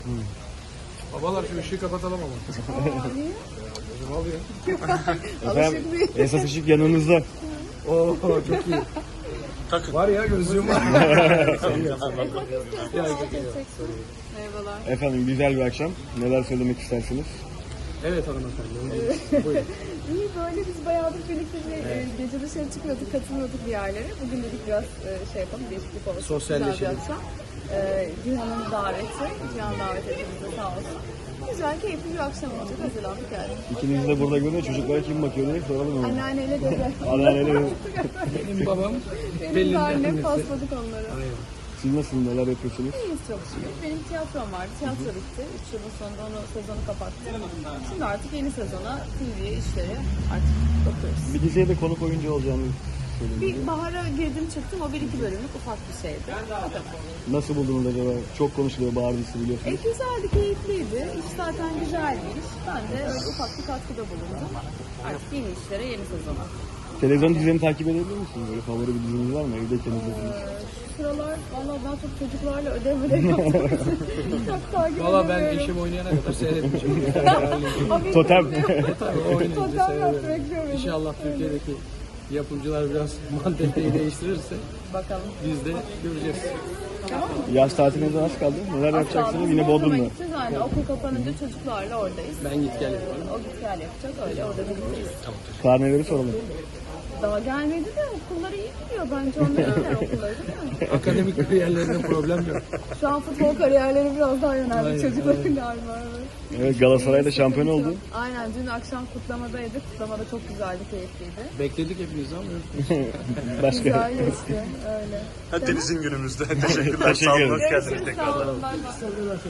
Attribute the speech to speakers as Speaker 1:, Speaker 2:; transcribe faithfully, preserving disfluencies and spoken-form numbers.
Speaker 1: Hmm. Babalar şu ışığı kapatalım ama.
Speaker 2: Aa, niye?
Speaker 1: Ne oluyor?
Speaker 2: Efendim,
Speaker 3: esas ışık yanınızda.
Speaker 1: Oo çok iyi. Takın. Var ya gözlüğüm var.
Speaker 2: Merhabalar.
Speaker 3: Efendim güzel bir akşam. Neler söylemek istersiniz?
Speaker 1: Evet hanımefendi. Buyurun.
Speaker 2: İyi böyle biz bayağıdır birlikte bir evet. e, gece dışarı çıkıyorduk, katılıyorduk bir yerlere. Bugün dedik biraz e, şey yapalım, değişiklik olsun.
Speaker 1: Sosyalleşelim.
Speaker 2: E, Cihan'ın daveti, Cihan davet ettiğimizde sağ olsun. Güzel, keyifli bir akşam olacak. Hazırlandık yani.
Speaker 3: İkiniz de burada görünüyor. Çocuklara kim bakıyor diye soralım onu.
Speaker 2: Anneanneyle dede.
Speaker 3: Anneanneyle dede.
Speaker 1: Benim babam
Speaker 2: Benim
Speaker 1: Pelin'in
Speaker 2: de annem
Speaker 1: annesi.
Speaker 2: pasladık onları.
Speaker 1: Aynen.
Speaker 3: Siz nasılsınız? Neler yapıyorsunuz?
Speaker 2: İyiyiz çok şükür. Benim tiyatrom vardı. Tiyatro bitti. Üç yılın sonunda onu sezonu kapattım. Şimdi artık yeni sezona, T V'ye, işlere artık bakıyoruz.
Speaker 3: Bir diziye de konuk oyuncu olacağını söylediniz.
Speaker 2: Bir bahara girdim çıktım. O bir iki bölümlük ufak bir şeydi. Bakalım.
Speaker 3: Nasıl buldunuz acaba? Çok konuşuluyor bahar dizisi
Speaker 2: E,
Speaker 3: biliyorsunuz.
Speaker 2: güzeldi, keyifliydi. İş zaten güzel bir iş. Ben de öyle ufak bir katkıda bulundum. Artık yeni işlere, yeni sezona.
Speaker 3: Televizyon dizilerini takip edebilir misiniz? Böyle favori bir diziniz var mı? Evdeyken izlediğiniz.
Speaker 2: Ee, şu sıralar valla ben çok çocuklarla ödev ödev yaptım. Çok takip
Speaker 1: Valla ben
Speaker 2: edemiyorum.
Speaker 1: eşim oynayana kadar seyretmişim.
Speaker 2: O bir
Speaker 3: Totem.
Speaker 1: Tabii o oynayınca
Speaker 2: Totem yaptı,
Speaker 1: seyrederim.
Speaker 2: bekliyorum.
Speaker 1: İnşallah Türkiye'deki yapımcılar biraz manteteyi değiştirirse
Speaker 2: Bakalım.
Speaker 1: biz de göreceğiz.
Speaker 2: Tamam mı?
Speaker 3: Yaz tatiline az kaldı. Neler yapacaksınız? Yine Bodrum'da.
Speaker 2: Gideceğiz aynı. Okul kapanınca çocuklarla oradayız.
Speaker 1: Ben git gel
Speaker 2: Ee,
Speaker 1: yaparım.
Speaker 2: O git gel yapacak. Öyle orada birlikteyiz.
Speaker 3: Karneleri soralım.
Speaker 2: Daha gelmedi de okulları iyi gidiyor. Bence onların iyiler okulları değil mi?
Speaker 1: Akademik kariyerlerinde problem yok.
Speaker 2: Şu an futbol kariyerleri biraz daha yöneldi
Speaker 1: Aynen,
Speaker 2: çocukların
Speaker 1: aynen.
Speaker 2: galiba. Evet.
Speaker 3: Evet, Galatasaray'da şampiyon oldu.
Speaker 2: Aynen, dün akşam kutlamadaydık. Kutlamada çok güzeldi, keyifliydi.
Speaker 1: Bekledik hepinizi ama yok.
Speaker 3: Başka.
Speaker 2: Güzel geçti, öyle.
Speaker 4: Deniz'in günümüzde. Teşekkürler.
Speaker 3: Teşekkür
Speaker 4: Sağ olun.
Speaker 3: ederim.
Speaker 4: Hoş geldiniz
Speaker 2: Görüşürüz,
Speaker 4: tekrar.
Speaker 2: sağ olun. Bay bay.